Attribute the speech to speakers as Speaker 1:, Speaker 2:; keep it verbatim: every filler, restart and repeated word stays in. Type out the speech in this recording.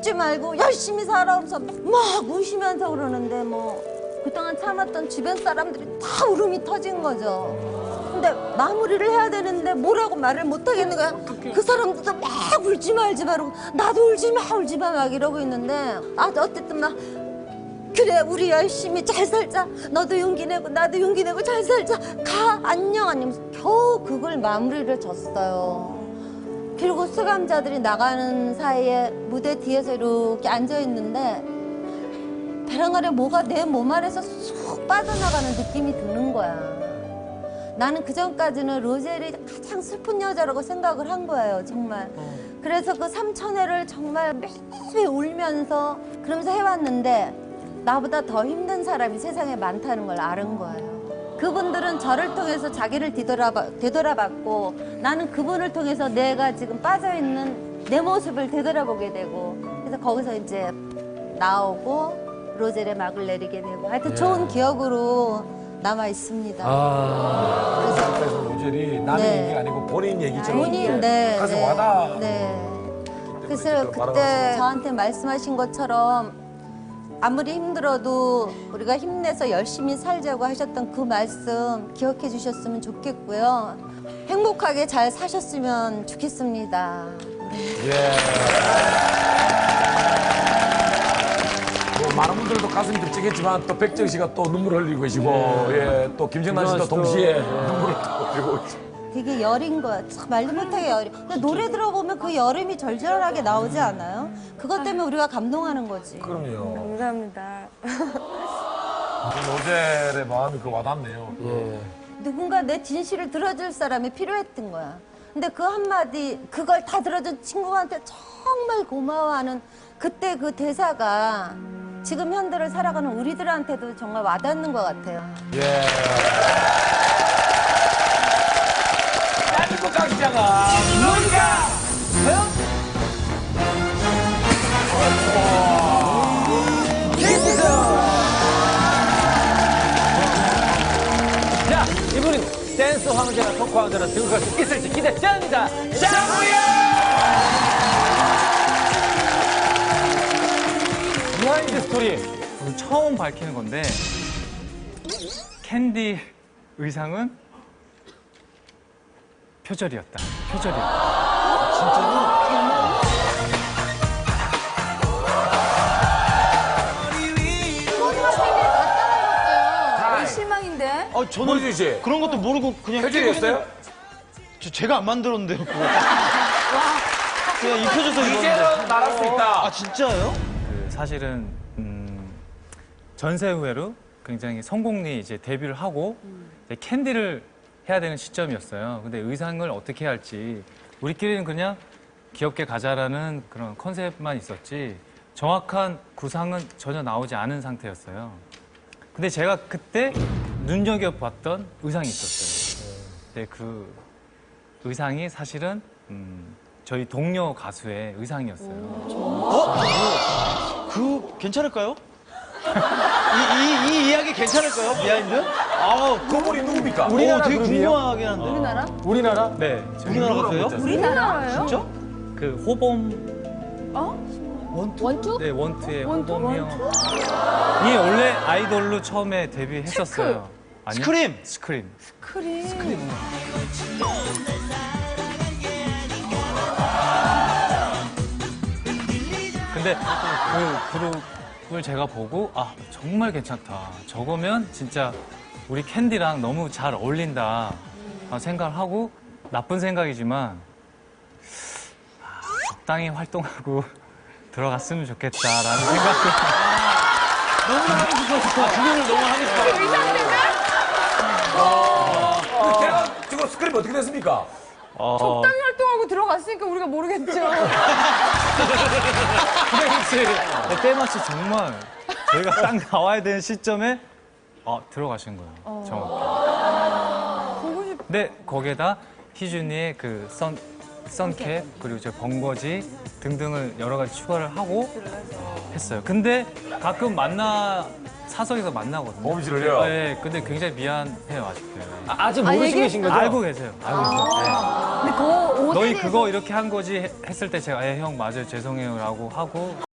Speaker 1: 울지 말고 열심히 살아오면서 막 우시면서 그러는데 뭐 그동안 참았던 주변 사람들이 다 울음이 터진 거죠. 근데 마무리를 해야 되는데 뭐라고 말을 못 하겠는 거야. 그 사람들도 막 울지 말지 말고 나도 울지 마 울지 마 막 이러고 있는데 아 어쨌든 막 그래 우리 열심히 잘 살자. 너도 용기 내고 나도 용기 내고 잘 살자. 가 안녕 안녕. 겨우 그걸 마무리를 졌어요. 그리고 수감자들이 나가는 사이에 무대 뒤에서 이렇게 앉아 있는데 배랑 아래 뭐가 내 몸 안에서 쑥 빠져나가는 느낌이 드는 거야. 나는 그전까지는 로젤이 가장 슬픈 여자라고 생각을 한 거예요, 정말. 어. 그래서 그 삼천회를 정말 매일 울면서 그러면서 해왔는데 나보다 더 힘든 사람이 세상에 많다는 걸 아는 거예요. 그분들은 저를 통해서 자기를 뒤돌아봐, 되돌아봤고 나는 그분을 통해서 내가 지금 빠져있는 내 모습을 되돌아보게 되고 그래서 거기서 이제 나오고 로젤의 막을 내리게 되고 하여튼 예. 좋은 기억으로 남아 있습니다.
Speaker 2: 아, 그래서, 그래서 로젤이 남의
Speaker 1: 네.
Speaker 2: 얘기가 아니고 본인 얘기처럼
Speaker 1: 본인, 네,
Speaker 2: 가서
Speaker 1: 네,
Speaker 2: 와닿아.
Speaker 1: 네. 그래서 그때 저한테 말씀하신 것처럼 아무리 힘들어도 우리가 힘내서 열심히 살자고 하셨던 그 말씀 기억해 주셨으면 좋겠고요. 행복하게 잘 사셨으면 좋겠습니다.
Speaker 2: 예. 뭐 많은 분들도 가슴이 듭직했지만 또 백정 씨가 또 눈물 흘리고 계시고 예, 또 김정란 씨도 동시에 눈물을 흘리고 계시고.
Speaker 1: 되게 여린 거야. 참 말도 못하게 여린. 근데 노래 들어보면 그 여름이 절절하게 나오지 않아요? 그것 때문에 우리가 감동하는 거지.
Speaker 2: 그럼요.
Speaker 3: 감사합니다.
Speaker 2: 로젤의 마음이 그 와닿네요. 예.
Speaker 1: 누군가 내 진실을 들어줄 사람이 필요했던 거야. 근데 그 한마디, 그걸 다 들어준 친구한테 정말 고마워하는 그때 그 대사가 지금 현대를 살아가는 우리들한테도 정말 와닿는 것 같아요.
Speaker 2: 예. 대한민국 강장은 누가?
Speaker 4: 자, 이분은 댄스 황제나 토크 황제나 들고 갈 수 있을지 기대됩니다. 장우영! 비하인드 스토리.
Speaker 5: 오늘 처음 밝히는 건데 캔디 의상은 표절이었다. 표절이었다.
Speaker 3: 진짜로? 실망인데?
Speaker 6: 아, 저는
Speaker 2: 모르지 씨.
Speaker 6: 그런 것도 모르고 그냥
Speaker 2: 표절이었어요?
Speaker 6: 저, 제가 안 만들었는데요, 그거. 그냥 입혀줘서 입었는데.
Speaker 2: 이제는 말할 수 있다.
Speaker 6: 아, 진짜요?
Speaker 5: 그 사실은 음, 전세 후회로 굉장히 성공리 이제 데뷔를 하고 이제 캔디를 해야 되는 시점이었어요. 근데 의상을 어떻게 해야 할지 우리끼리는 그냥 귀엽게 가자라는 그런 컨셉만 있었지 정확한 구상은 전혀 나오지 않은 상태였어요. 근데 제가 그때 눈여겨봤던 의상이 있었어요. 근데 그 의상이 사실은 음, 저희 동료 가수의 의상이었어요.
Speaker 6: 어? 그, 괜찮을까요? 이, 이, 이 이야기 괜찮을까요? 비하인드? 아,
Speaker 2: 그분이 누굽니까?
Speaker 6: 우리나라 되게 궁금하긴 한데.
Speaker 3: 우리나라?
Speaker 5: 우리나라? 네. 저희
Speaker 6: 우리나라 가수예요?
Speaker 3: 우리나라예요?
Speaker 6: 진짜?
Speaker 5: 그 호범
Speaker 3: 어?
Speaker 6: 원투?
Speaker 3: 원투?
Speaker 5: 네, 원투의
Speaker 3: 원투,
Speaker 5: 호범이 형. 이 원래 아이돌로 처음에 데뷔했었어요. 아니요?
Speaker 6: 스크림!
Speaker 5: 스크림.
Speaker 3: 크림.
Speaker 5: 근데 그 그룹을 제가 보고 아 정말 괜찮다. 저거면 진짜 우리 캔디랑 너무 잘 어울린다 생각을 하고 나쁜 생각이지만 아, 적당히 활동하고 들어갔으면 좋겠다라는 생각을
Speaker 6: 너무 하고 싶어. 아, 구경을 너무 하고 싶어.
Speaker 2: 제가 지금 스크립 어떻게 됐습니까?
Speaker 5: 어,
Speaker 3: 적당히 활동하고 들어갔으니까 우리가 모르겠죠.
Speaker 5: 그래, 때마치 정말 저희가 딱 나와야 되는 시점에 어, 들어가신 거예요. 정확히.
Speaker 3: 보고 싶...
Speaker 5: 근데 거기에다 희준이의 그 선, 선캡 그리고 저 번거지 등등을 여러 가지 추가를 하고 했어요. 근데 가끔 만나 사석에서 만나거든요.
Speaker 2: 범실을요?
Speaker 5: 네, 근데 굉장히 미안해요 아직도.
Speaker 4: 아, 아직 모르시고
Speaker 3: 얘기-
Speaker 4: 계신 거죠?
Speaker 5: 알고 계세요. 알고 계세요. 네.
Speaker 3: 근데 그 옷에
Speaker 5: 너희
Speaker 3: 대해서-
Speaker 5: 그거 이렇게 한 거지 했을 때 제가 예, 형 맞아요 죄송해요라고 하고